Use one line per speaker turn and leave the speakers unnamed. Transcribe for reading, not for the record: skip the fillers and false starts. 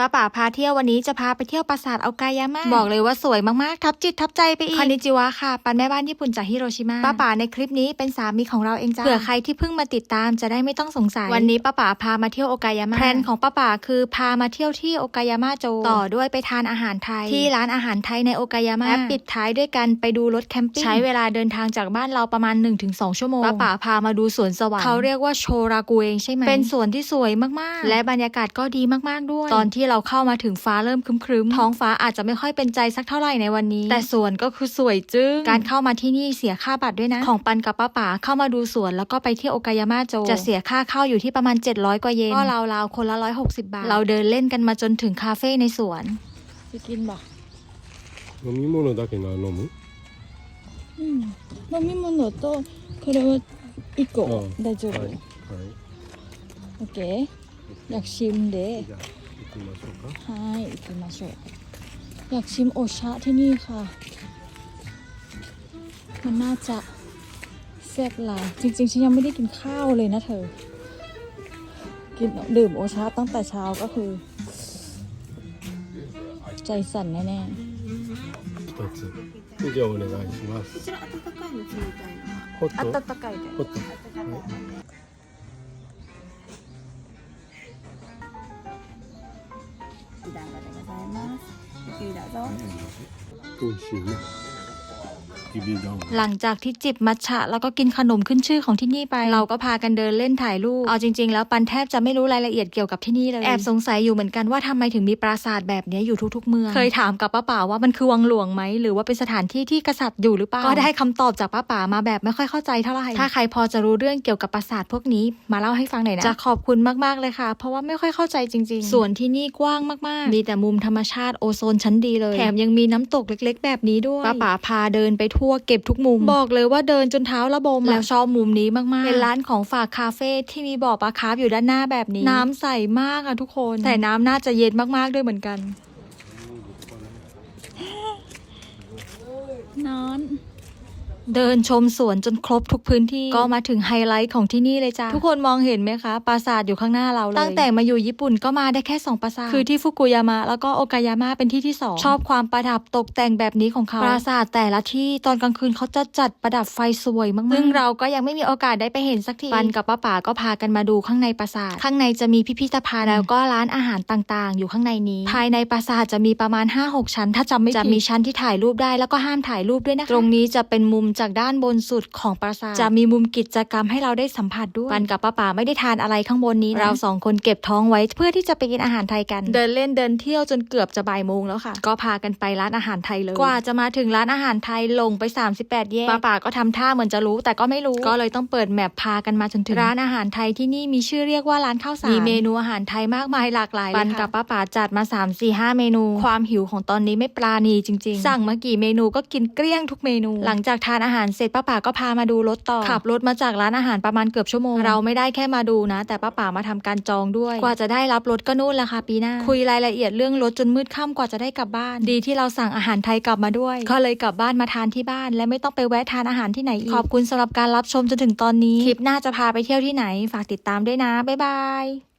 ป้าป๋าพาเที่ยววันนี้จะพาไปเที่ยวปราสาทอาโอกายามะบอกเลยว่าสวยมากๆทับจิตทับใจไปอีกคอนนิจิวะค่ะปันแม่บ้านญี่ปุ่นจากฮิโรชิมาป้าป๋าในคลิปนี้เป็นสามีของเราเองจ้าเผื่อใครที่เพิ่งมาติดตามจะได้ไม่ต้องสงสัยวันนี้ป้าป๋าพามาเที่ยวโอกายามะแพลนของป้าป๋าคือพามาเที่ยวที่โอกายามะโจต่อด้วยไปทานอาหารไทยที่ร้านอาหารไทยในโอกายามะและปิดท้ายด้วยกันไปดูรถแคมปิ้งใช้เวลาเดินทางจากบ้านเราประมาณ 1-2 ชั่วโมงป้าป๋าพามาดูสวนสวรรค์เขาเรียกว่าโชรากุเองใช่ไหมเป็นสวนที่สวยมากๆและบรรยากาศก็ดีมากๆด้วยตอนที่เราเข้ามาถึงฟ้าเริ่มครึ้มๆท้องฟ้าอาจจะไม่ค่อยเป็นใจสักเท่าไหร่ในวันนี้แต่สวนก็คือสวยจึ้งการเข้ามาที่นี่เสียค่าบัตรด้วยนะของปันกับป้าป๋าเข้ามาดูสวนแล้วก็ไปเที่ยวโอกายามะโจจะเสียค่าเข้าอยู่ที่ประมาณ700 กว่าเยนก็ราวๆคนละ160 บาทเราเดินเล่นกันมาจนถึงคาเฟ่ในสวน
ไปกินบ่
飲み物だけ飲む
飲み物とこれは1個大丈夫
はい
オッケーอยากชิมเด้
じゃあ行きましょうか
はい行きましょうอยากชิมโอชะที่นี่ค่ะมันน่าจะแซ่บหลายจริงๆฉันยังไม่ได้กินข้าวเลยนะเธอกินดื่มโอชะตั้งแต่เช้าก็คือใจสั่นแน่
一つじゃあお願いします
こちら温かいの冷たいの
ホット
温かいで
ホット
お団子でございますゆっくりどうぞ
美味しいね
หลังจากที่จิบมัทฉะแล้วก็กินขนมขึ้นชื่อของที่นี่ไปเราก็พากันเดินเล่นถ่ายรูปเอาจริงๆแล้วปันแทบจะไม่รู้รายละเอียดเกี่ยวกับที่นี่เลยแอบสงสัยอยู่เหมือนกันว่าทำไมถึงมีปราสาทแบบนี้อยู่ทุกๆเมืองเคยถามกับป้าป๋าว่ามันคือวังหลวงไหมหรือว่าเป็นสถานที่ที่กษัตริย์อยู่หรือเปล่าก็ได้คำตอบจากป้าป๋ามาแบบไม่ค่อยเข้าใจเท่าไหร่ถ้าใครพอจะรู้เรื่องเกี่ยวกับปราสาทพวกนี้มาเล่าให้ฟังหน่อยนะจะขอบคุณมากๆเลยค่ะเพราะว่าไม่ค่อยเข้าใจจริงๆส่วนที่นี่กว้างมากๆมีแต่มุมธรรมชาติโอโซนชั้นดีเลยแถมยังมีน้ำตกเล็กๆแบบนี้ด้วยป้าป๋าพาเดินไปทั่วเก็บทุกมุมบอกเลยว่าเดินจนเท้าระบมแล้วชอบมุมนี้มากๆเป็นร้านของฝากคาเฟ่ที่มีบ่อปลาคาร์ฟอยู่ด้านหน้าแบบนี้น้ำใสมากอะทุกคนแต่น้ำน่าจะเย็นมากๆด้วยเหมือนกัน
นอน
เดินชมสวนจนครบทุกพื้นที่ก็มาถึงไฮไลท์ของที่นี่เลยจ้าทุกคนมองเห็นไหมคะปราสาทอยู่ข้างหน้าเราเลยตั้งแต่มาอยู่ญี่ปุ่นก็มาได้แค่2 ปราสาทคือที่ฟุกุยามะแล้วก็โอกายามะเป็นที่ที่2ชอบความประดับตกแต่งแบบนี้ของเขาปราสาทแต่ละที่ตอนกลางคืนเขาจะจัดประดับไฟสวยมากๆซึ่งเราก็ยังไม่มีโอกาสได้ไปเห็นสักทีปันกับป้าป๋าก็พากันมาดูข้างในปราสาทข้างในจะมีพิพิธภัณฑ์แล้วก็ร้านอาหารต่างๆอยู่ข้างในนี้ภายในปราสาทจะมีประมาณ 5-6 ชั้นถ้าจำไม่ผิดจะมีชั้นที่ถ่ายรูปได้แล้วก็ห้ามถ่ายรูปด้วยนะคะตรงนี้จะเป็นมุมจากด้านบนสุดของปราสาทจะมีมุมกิจกรรมให้เราได้สัมผัสด้วยปันกับป้าป๋าไม่ได้ทานอะไรข้างบนนี้เรา2 คนเก็บท้องไว้เพื่อที่จะไปกินอาหารไทยกันเดินเล่นเดินเที่ยวจนเกือบจะบ่ายโมงแล้วค่ะก็พากันไปร้านอาหารไทยเลยกว่าจะมาถึงร้านอาหารไทยลงไป38 แยกป้าป๋าก็ทำท่าเหมือนจะรู้แต่ก็ไม่รู้ก็เลยต้องเปิดแมปพากันมาจนถึงร้านอาหารไทยที่นี่มีชื่อเรียกว่าร้านข้าวสารมีเมนูอาหารไทยมากมายหลากหลายปันกับป้าป๋าจัดมา3-4-5 เมนูความหิวของตอนนี้ไม่ปราณีจริงๆสั่งมากี่เมนูก็กินเกลี้ยงทุกเมนูหลังจากทานอาหารเสร็จป้าป๋าก็พามาดูรถต่อขับรถมาจากร้านอาหารประมาณเกือบชั่วโมงเราไม่ได้แค่มาดูนะแต่ป้าป๋ามาทำการจองด้วยกว่าจะได้รับรถก็นู่นละค่ะปีหน้าคุยรายละเอียดเรื่องรถจนมืดค่ำกว่าจะได้กลับบ้านดีที่เราสั่งอาหารไทยกลับมาด้วยก็เลยกลับบ้านมาทานที่บ้านและไม่ต้องไปแวะทานอาหารที่ไหนอีกขอบคุณสำหรับการรับชมจนถึงตอนนี้คลิปหน้าจะพาไปเที่ยวที่ไหนฝากติดตามด้วยนะบ๊ายบาย